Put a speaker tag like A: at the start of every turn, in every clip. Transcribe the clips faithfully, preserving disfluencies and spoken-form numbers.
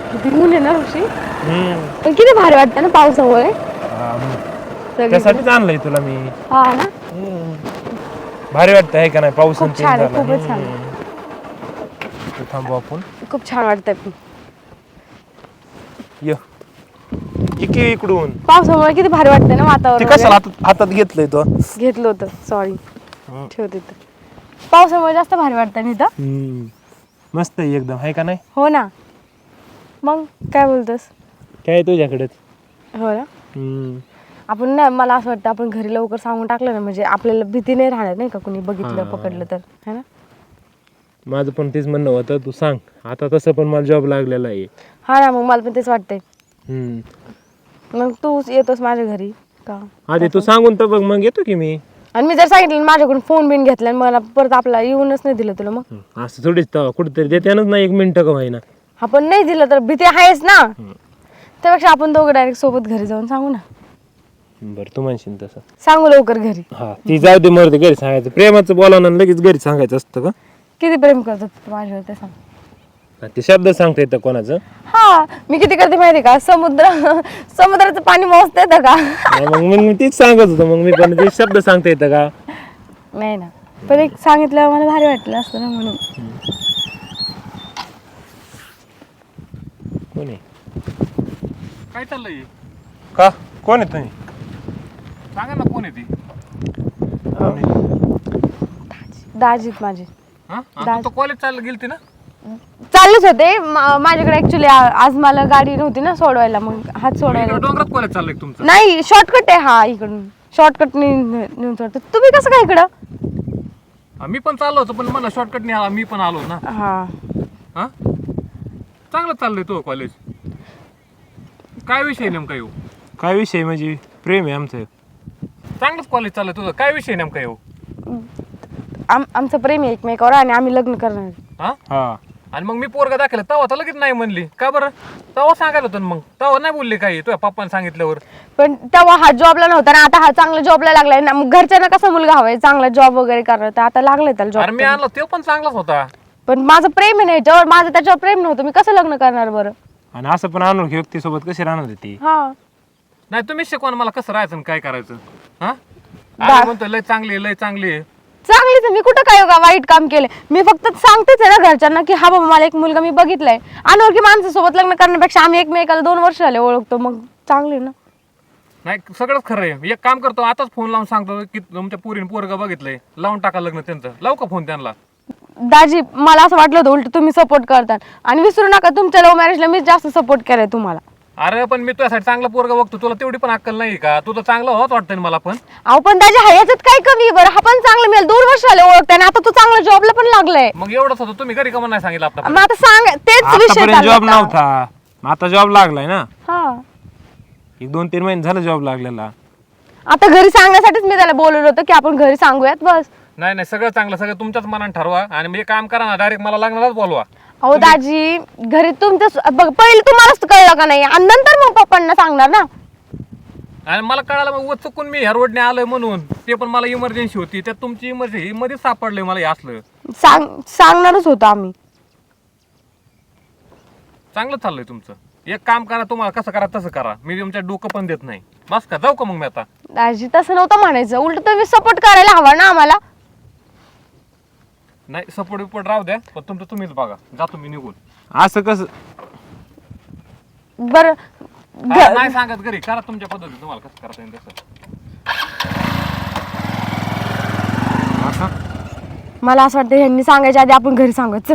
A: किती ऊन आहे ना ऋषी.
B: हम्म
A: पण किती भारी वाटतं ना पावसामुळे.
B: हा, मग
A: सगळीकडे.
B: त्यासाठीच आणलंय तुला मी.
A: हा ना.
B: हम्म. भारी वाटतं आहे का नाही पाऊस
A: खूप
B: आणि
A: छान आहे,
B: झाला.
A: खूपच छान.
B: हम्म. इथं थांबू आपण.
A: खूप छान वाटतंय पण.
B: ये इकडे इकडून
A: पावसामुळे किती भारी वाटतंय ना
B: ते
A: वातावरण
B: कसं
A: वगैरे.
B: हातात हातात घेतलंय तो.
A: घेतलं होतं सॉरी.
B: हम्म.
A: ठेवते तर. पावसामुळे जास्त भारी वाटतं ना इथं.
B: हम्म. मस्त आहे एकदम आहे का नाही.
A: हो ना. मग काय बोलतोस.
B: काय आहे तुझ्याकडेच.
A: हो ना.
B: हम्म.
A: आपण ना मला असं वाटतं आपण घरी लवकर सांगून टाकलं ना म्हणजे आपल्याला भीती नाही राहणार नाही का कुणी बघितलं
B: हा.
A: पकडलं तर है ना.
B: माझं पण तेच म्हणणं होतं तू सांग आता तसं पण मला जॉब लागलेला आहे.
A: हा ना मग मला पण तेच वाटतंय.
B: हम्म.
A: मग तू येतोस माझ्या घरी का.
B: आधी तू सांगून तर बघ मग येतो की मी.
A: आणि मी जर सांगितलं ना माझ्याकडून फोन बिन घेतला आणि मला परत आपला येऊनच नाही दिलं तुला मग.
B: हम्म. असं थोडीच तर कुठेतरी देत्यानच ना एक मिनिटं का होईना.
A: आपण नाही दिलं तर भीती आहेच ना. त्यापेक्षा आपण दोघं डायरेक्ट सोबत घरी जाऊन सांगू ना.
B: बरं तू म्हणशील तसं.
A: सांगू लवकर घरी.
B: हा ती जाऊ दे मरते घरी सांगायचं प्रेमाचं बोलावं आणि लगेच घरी सांगायचं असतं का.
A: किती प्रेम करतात तू माझ्यावर ते सांग.
B: हा, ते शब्द सांगता येतं कोणाचं.
A: हा मी किती करते माहिती का समुद्र समुद्राचं पाणी मोजता येतं का.
B: नाही, मग मग मी तीच सांगत होतो मग मी पण ते शब्द सांगता येतं का.
A: नाही ना पण एक सांगितलं मला भारी वाटलं असतं ना म्हणून.
B: कोण आहे
C: काय चाललंय
B: का कोण आहे तुम्ही.
C: सांगा ना कोण आहे ती.
B: कोण आहे?
A: दाजीत माझे
C: हा
A: दाज-
C: तू कॉलेज चाललं गेलती ना.
A: चाललेच होते मा- माझ्याकडे ऍक्च्युली आज मला गाडी नव्हती ना सोडवायला मग हात सोडवायला.
C: इकडं डोंगरात कॉलेज चाललंय का तुमचं.
A: नाही शॉर्टकट आहे हा इकडून शॉर्टकट नेऊन सोडतो. तुम्ही कसं काय इकडं.
C: हा, मी पण चाललो होतो पण मला शॉर्टकट नाही आला मी पण आलो ना.
A: हा
C: हा चांगलं चाललंय तो कॉलेज. काय विषय नेमका येऊ.
B: काय विषय म्हणजे प्रेम आहे आमचं.
C: चांगलंच कॉलेज चाललंय तुझं काय विषय नेमका येऊ.
A: आम आमचं प्रेम आहे एकमेकावर आणि आम्ही लग्न करणार.
C: हा
B: हा
C: आणि मग मी पोरगा दाखवलं तवा तर लगेच नाही म्हणली का बरं. तवा सांगायला होतं ना मग तवा नाही बोलली काही तुझ्या पप्पाने सांगितल्यावर.
A: पण तेव्हा हा जॉबला नव्हता ना आता हा चांगला जॉबला लागलाय ना मग घरच्यांना कसा मुलगा हवाय चांगला जॉब वगैरे करणार तर आता लागलाय त्याला
C: अरे मी
A: जॉब.
C: आणलं तो पण चांगलाच होता.
A: पण माझं प्रेम आहे ना याच्यावर माझं त्याच्यावर प्रेम नव्हतं मी कसं लग्न करणार बरं.
B: आणि असं पण अनोळखी व्यक्तीसोबत कशी राहणार ती.
A: हा
C: नाही तुम्हीच शिकवा ना मला कसं राहायचं आणि काय करायचं. हा
A: बा-
C: आम्ही म्हणतो लय चांगली आहे, लय चांगली आहे.
A: चांगलीच आहे. मी कुठं काय का वाईट काम केलं मी फक्त सांगतेच आहे ना घरच्यांना की हा बाबा मला एक मुलगा मी बघितलाय अनोळखी माणसासोबत लग्न करण्यापेक्षा आम्ही एकमेकाला दोन वर्ष झाले ओळखतो मग चांगली ना.
C: नाही सगळंच खरं आहे. एक काम करतो आताच फोन लावून सांगतो की तुमच्या पुरीने पोरगा बघितलंय लावून टाका लग्न त्यांचं. लावू का फोन त्यांना.
A: दाजी मला असं वाटलं होतं उलट तुम्ही सपोर्ट करतात आणि विसरू नका तुमच्या लव्ह मॅरेजला मी जास्त सपोर्ट केलाय तुम्हाला.
C: अरे पण मी तुझ्यासाठी चांगला पोरगा बघतो तुला तेवढी पण अक्कल नाही का. तू तर चांगला होत वाटतं मला पण.
A: अहो पण दाजी हा याच्यात काय कमी आहे बरं हा पण चांगलं मिळेल दोन वर्ष झाले ओळखताय आता तो चांगला जॉबला पण लागलाय.
C: मग एवढंच होतं तुम्ही घरी कमा नाही सांगितलं आपला.
A: मग आता सांग तेच विषय
B: आतापर्यंत
A: चालला
B: जॉब
A: होता.
B: नव्हता आता जॉब लागलाय ना.
A: हा
B: एक दोन तीन महिने झालं जॉब लागलेला.
A: आता घरी सांगण्यासाठीच मी त्याला बोलवलं होतं की आपण घरी सांगूयात बस.
C: नाही नाही सगळं चांगलं सगळं तुमच्याच मनात ठरवा आणि मी काम करा ना डायरेक्ट मला लग्नालाच बोलवा.
A: अहो दाजी घरी तुमचं बघ पहिलं तुम्हालाच कळलं का नाही आणि नंतर मग पप्पांना सांगणार ना.
C: आणि मला कळालं मग व चुकून मी ह्या रोडने आलोय म्हणून ते पण मला इमर्जन्सी होती त्यात तुमची इमर्जन्सी मध्येच सापडलंय मला हे असलं.
A: सांग सांगणारच होतं आम्ही.
C: चांगलं चाललंय तुमचं. एक काम करा तुम्हाला कसं करा तसं करा मी तुमच्या डोकं पण देत नाही. बस का जाऊ का मग मी आता.
A: दाजी तसं नव्हतं म्हणायचं उलट तुम्ही सपोर्ट करायला हवा ना आम्हाला.
C: नाही सपोर्ट बिपोर्ट राहू द्या पण तुमचं तुम्हीच बघा जातो मी निघून.
B: असं कसं
A: बरं
C: हा, नाही सांगत घरी करा तुमच्या पद्धतीने तुम्हाला कसं करता येईल तसं.
B: असं
A: मला असं वाटतं ह्यांनी सांगायच्या आधी आपण घरी सांगत चल.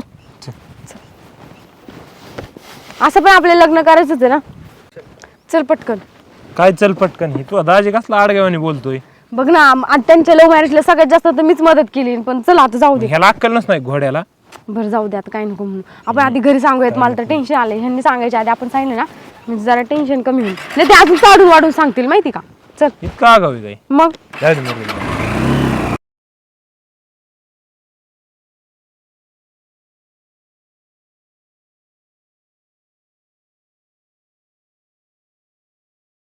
A: असं पण आपले लग्न करायचंच आहे ना. चल पटकन.
B: काय चल पटकन ही तू दाजी कसला आडगावाने बोलतोय.
A: बघ ना आम- आता त्यांच्या लव्ह मॅरेजला सगळ्यात जास्त तर मीच मदत केली पण चल आता जाऊ दे.
B: ह्याला अक्कल नसणार घोड्याला.
A: बरं जाऊ दे आता काय नको म्हणून आपण आधी घरी सांगूयात मला तर टेन्शन आलंय ह्यांनी सांगायच्या आधी आपण सांगितलं ना म्हणजे जरा टेन्शन कमी होईल नाही ते अजून वाढून वाढून सांगतील माहिती का. चल
B: इतका आगावी काय
A: मग
B: जाऊ दे मग.